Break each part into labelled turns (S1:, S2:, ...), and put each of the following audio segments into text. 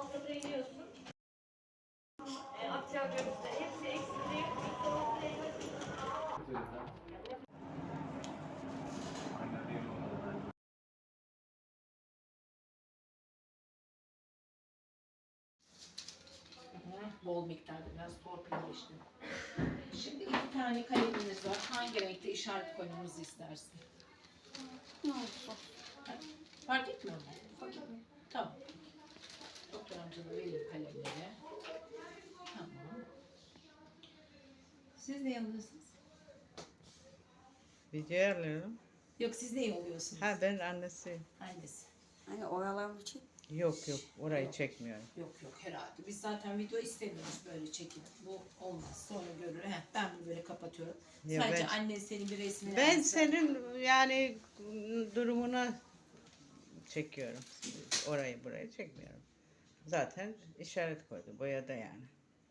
S1: Bol miktarda biraz torpilleştim. Şimdi 2 tane kalemimiz var. Hangi renkte işaret koymamızı istersin?
S2: Ne olsun?
S1: Fark etmiyor mu?
S2: Fark etmiyor.
S1: Tamam. Doktor amcana vereyim kalemleri. Tamam. Siz ne alıyorsunuz?
S3: Video alıyorum.
S1: Yok, siz ne alıyorsunuz?
S3: Ha, ben annesiyim.
S1: Annesi.
S2: Hani oyalanmak için.
S3: Yok orayı çekmiyorum.
S1: Yok herhalde. Biz zaten video istemiyoruz böyle çekim. Bu olmaz. Sonra görür. Ben bunu böyle kapatıyorum.
S3: Ya
S1: Sadece
S3: ben-
S1: annen senin bir resmini
S3: Ben
S1: alsın.
S3: senin yani durumuna çekiyorum. Burayı çekmiyorum. Zaten işaret koydu boyada yani.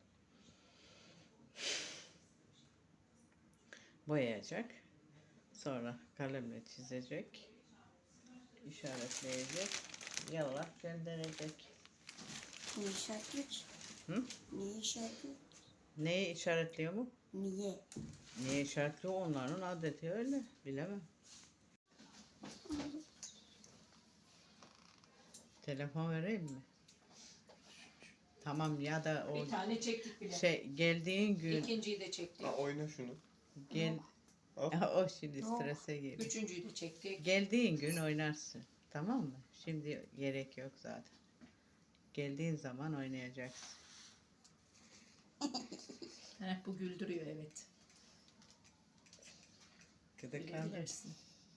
S3: Boyayacak. Sonra kalemle çizecek. İşaretleyecek. Yallah gönderecek.
S2: Ne işaretliyor ki?
S3: Hı?
S2: Niye işaretliyor?
S3: Neyi işaretliyor mu?
S2: Niye?
S3: Niye işaretliyor? Onların adeti öyle. Bilemem. Telefon vereyim mi? Tamam, ya da o
S1: Bir tane çektik bile.
S3: geldiğin gün
S1: İkinciyi de çektik.
S4: Oyna şunu.
S3: gel
S4: Al.
S3: o şimdi strese geliyor.
S1: Üçüncüyü de çektik.
S3: Geldiğin gün oynarsın. Tamam mı? Şimdi gerek yok zaten. Geldiğin zaman oynayacaksın.
S1: Bu güldürüyor, evet.
S3: Gıdıklandı.
S1: Gülebilirsin.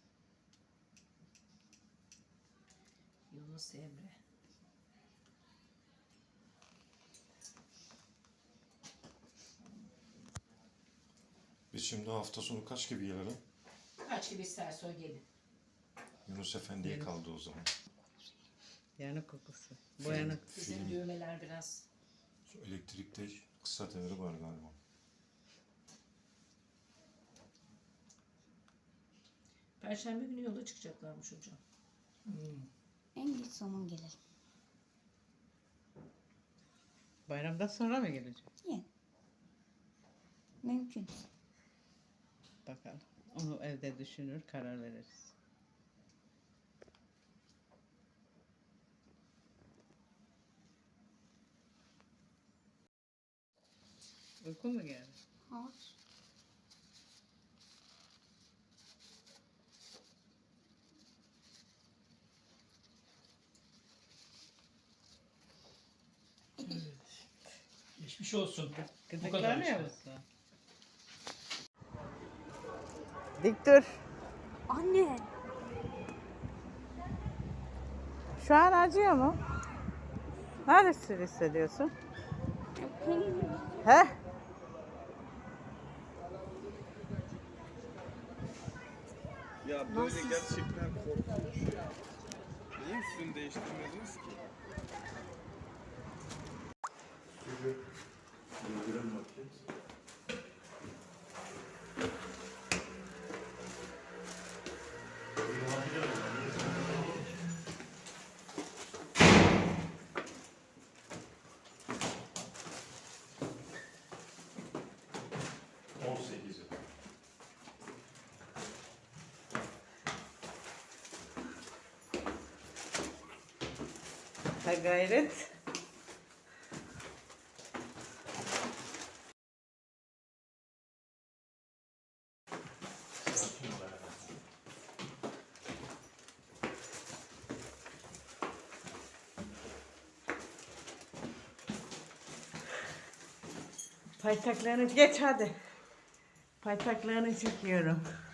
S1: Yunus Emre.
S4: Biz şimdi hafta sonu kaç gibi gelelim?
S1: Kaç gibi isterse o gelin.
S4: Yunus Efendi'ye kaldı o zaman.
S3: Yanık kokusu. Boyanık.
S1: Bizim
S4: Film.
S1: düğmeler biraz.
S4: Şu elektrikte kısa devre var galiba.
S1: Perşembe günü yola çıkacaklarmış hocam.
S2: En geç zaman gelelim.
S3: Bayramdan sonra mı gelecek?
S2: Yani. Mümkün.
S3: Bakalım. Onu evde düşünür, karar veririz. Uykun mu geldi?
S2: Hayır.
S5: Geçmiş olsun. Bu kadar
S3: Gıdıklanıyor
S5: işte.
S3: musun? Dik dur.
S2: Anne.
S3: Şu an acıyor mu? Neresini hissediyorsun? He?
S4: Ya böyle gerçekten korkunç. Niye üstünü değiştirmediniz ki? Suyu indirelim bakayım.
S3: Ha gayret. Paytaklarını geç hadi. Paytaklarını çekiyorum.